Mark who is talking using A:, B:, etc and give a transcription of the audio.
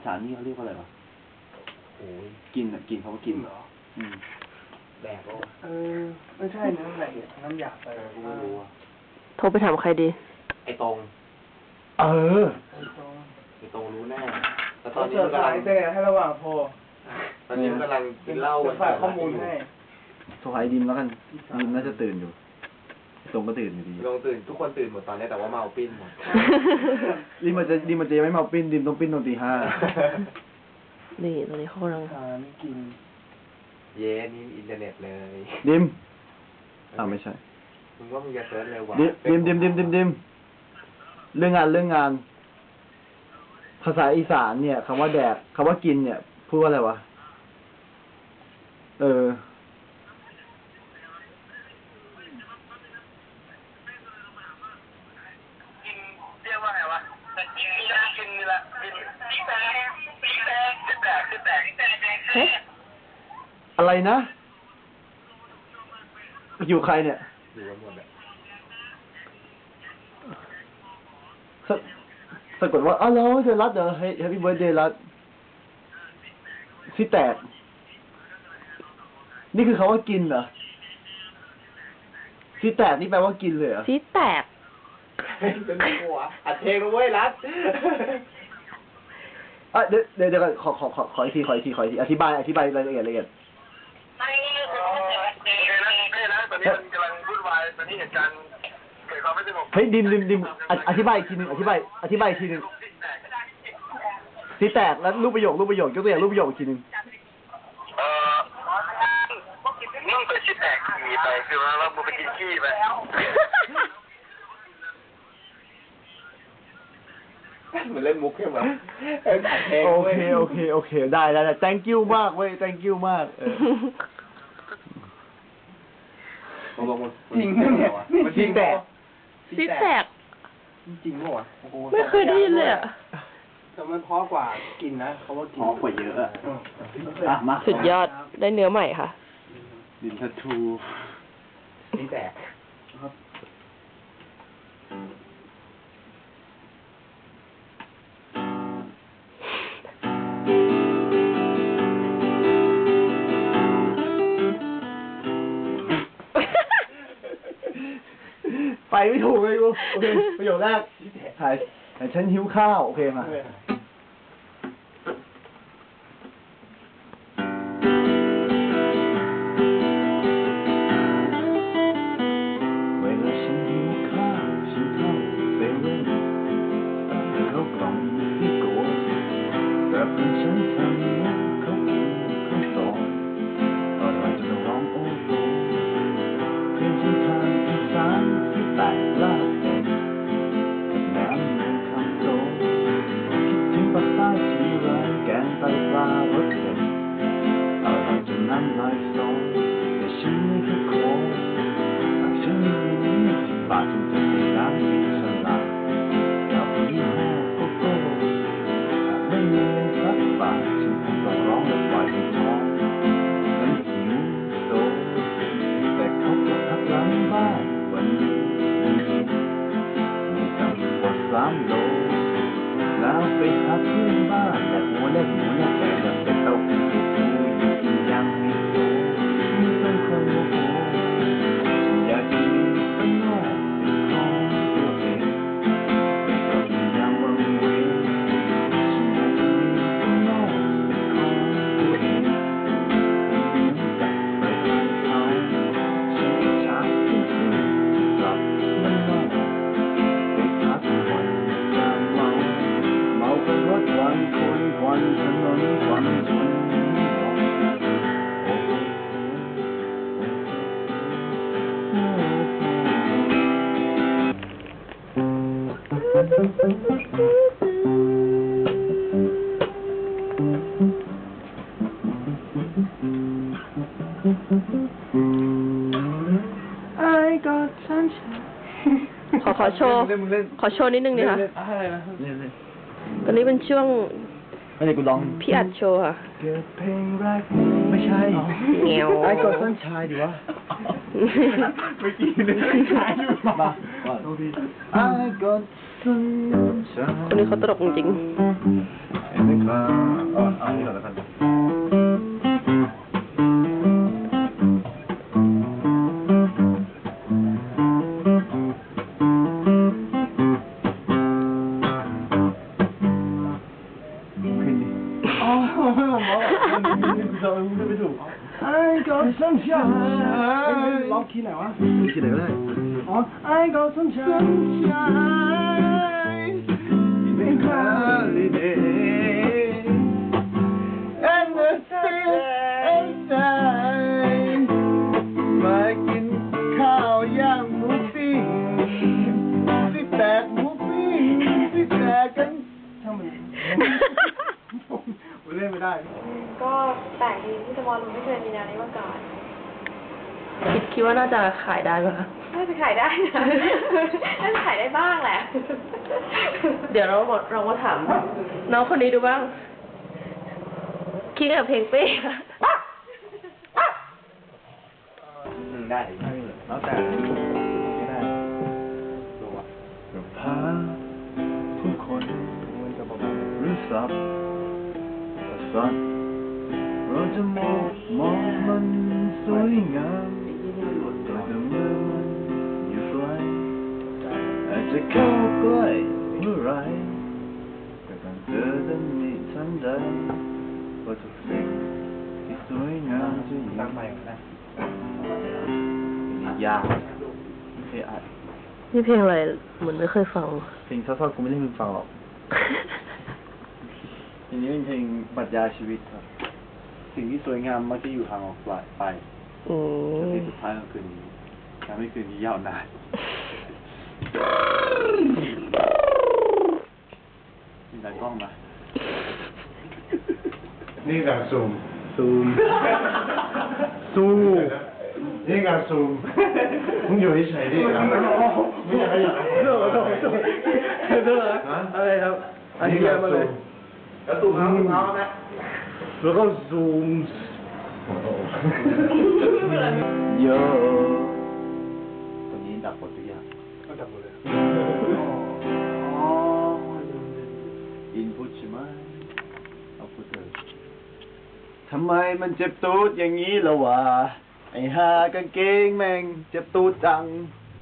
A: สานนี่เขาเรียกว่าอะไรวะโอ้ยกินอ่ะกินเขาก็กินเหรอแดกก็
B: ไม่ใช่น้ำอะไรน้ำหยาบไปไม่รู้
C: โทรไปถามใครดี
A: ไอ้ตรงไอ้ตรงรู้แน่แต่ตอนนี้มันกำลัง
B: ให้ระหว่างโพ
A: ตอนนี้มันกำลังกินเหล้า
B: ฝากข้อมูลให้
D: โทรหาดิมแล้วกันดิมน่าจะตื่นอยู่ตรงก็ตื่นอยู่ดี
A: ลงตื่นทุกคนตื่นหมดตอนนี้แต่ว่าเมาปิ้นหมด
D: ดิมมันจะยังไม่เมาปิ้นดิมต้องปิ้นตอนตีห้า
C: นี่ตอนนี้เขากำลัง
B: ไม่กิน
A: เย้นี่อินเทอร์เน็ตเลย
D: ดิมไม่ใช่
A: มึงว่ามึงจะเซิร์ชเร็วกว่า
D: ดิมเรื่องงานภาษาอีสานเนี่ยคำว่าแดกคำว่ากินเนี่ยพูดว่าอะไรวะอะไรนะอยู่ใครเนี่ย
A: อยู่กันหมดเลย
D: สะกดว่าแล้วเธอรัดเหรอแฮปปี้เบิร์ธเดย์รัดสิแตกนี่คือคำว่ากินเหรอสิแตกนี่แปลว่ากินเลยเหรอ
C: สิแตก
A: เป็นหัวอัดเพลงเว้ยรัด
D: เดี๋ยวขออีกทีอธิบายรายละเอียด
A: ตอนนี้มันกำลังวุ่นวายตอนนี้เหตุการณ์เกิดความไม่สงบ
D: เฮ้ยดิมอธิบายอีกทีนึงอธิบายอีกทีนึงสิแตกแล้วรูปประโยคยกตัวอย่างรูปประโยคอีกทีนึง
A: มึงไปสิแตกขี่ไปคือว่ามึงไปกินขี้ไปเหมือนเล่นมุกใช่ไหม
D: โอเคได้ thank you มากเว้ย thank you มาก
B: จริงเนี่ย
D: มันสิแตก
C: จริง
B: เหรอ
C: ไม่เคยได้ยินเลยอ่ะ
B: แต่มันเพราะกว่ากินนะเขาว่ากิน
A: เพราะกว่าเยอะ
D: อ่ะมา
C: สุดยอดได้เนื้อใหม่ค่ะ
A: ดินทัตทูสิแตก
D: ไปไม่ถูกเลยกูโอเคประโยคแรกถ่ายฉันหิวข้าวโอเคมาเวลาฉันหิวข้าวฉันเข้าเซเว่นเขากล่องที่โกรธแต่เพื่อนฉันทำนะเขาสอนอร่อยจนร้องโอ้โหเพื่อนฉันทานอีสานที่แตกลาดกับน้ำมันคำโตคิดถึงปากใต้ทีไรแกงไตปลารสเผ็ดอร่อยจนน้ำลายสอแต่ฉันไม่เคยขอหากฉันมีเงิน20 บาทฉันจะไปร้านกินสลัดกับยี่ห้อโกโก้หากไม่มีเงินสักบาทฉันคงต้องร้องและปล่อยให้ท้องนั้นหิวโซแต่เขาก็พักหลังบ้านวันนี้มีตั้งกว่า3 โลแล้วไปหาเพื่อนบ้านแต่หัวแก่แล้วไปเต้าหู้อยู่กินยังไม่โตไม่ต้องคนโมโหฉันอยากจะมีสักหน่อยเป็นของตัวเองไม่ต้องมีอย่างวังเวงฉันอยากจะมีสักหน่อยเป็นของตัวเองไม่มีน้ำตาไปทางเขาฉันอิจฉาเพื่อนๆกลับบ้านนอกไปพักผ่อนจะเมากันรถวันคนวันถนนวันชน
C: ขอโชว์นิดนึงดิค่ะตอนนี้เป็นช่วงพี่อัดโชว์ค่ะ
D: ไม่ใช่
C: เงี้ยว
D: ไอ้กดต้นชายดิวะ
A: ไม่กินเลยชายอยู่มา
D: ไอ้กดต้นชาย
C: คนนี้เขาตลกจริง
D: เห็นไหมครับเอานี่ก่อนแล้วกัน
B: อ๋อไม่ถูกไอ้ก็สัญชาร้องคีย์ไหนวะ
D: คิดอะไรก็ได้
B: อ๋อไอ้ก็สัญชา
D: In holiday and the sea outside มากินข้าวย่างหมูปิ้งที่แตกหมูปิ้งที่แตกกัน
B: ช่างมันเล่นไม่ได้
C: ก็แปลกดีที่สมอลไม่เคยมีแนวนี้มาก่อน คิดว่าน่าจะขายได้ไหมคะ
E: น่าจะขายได้นะ น่าจะขายได้บ้างแหละ
C: เดี๋ยวเรามาถามน้องคนนี้ดูบ้าง คิดกับเพลงเป้ค่ะ
A: ได้
D: แล้วแต่ไม่ได้ตัวกับพาผู้คนหรือสับกษัตริย์เราจะมองมันสวยงามแต่เมื่อมันอยู่ไกลอาจจะเข้าใกล้เมื่อไรก็ต้องเจอทันทีทันใดว่าทุกสิ่งที่สวยงามจะอยู่
B: ตั้งใหม่นะ
D: ยากไม่เคยอัด
C: นี่เพลงอะไรเหมือนไม่เคยฟัง
D: เพลงเศร้าๆกูไม่ได้มึงฟังหรอกเพลงนี้เป็นเพลงปรัชญาชีวิตครับ สิ่งที่สวยงามมักจะอยู่ห่างออกไป
C: อืม
D: แต่สิ่งสุดท้ายของคืนนี้ทำให้คืนนี้ยาวนานมีตากล้องมา
F: นี่การซูม
D: ซูม
F: ซูมนี่การซูมมึงอยู่เฉยๆดิครับไม่อยากให้อยาก
B: อะไรครับ อันนี้มาเลย
F: แล้วซูมเอาไหม
B: แล้วก็ซูม
D: โยตรงนี้ดับหมดทุกอย่าง
B: ก็ดับหมดเลย
D: อินพุตใช่ไหมเอาพุตเลยทำไมมันเจ็บตูดอย่างนี้ล่ะวะไอ้หากางเกงแม่งเจ็บตูดจัง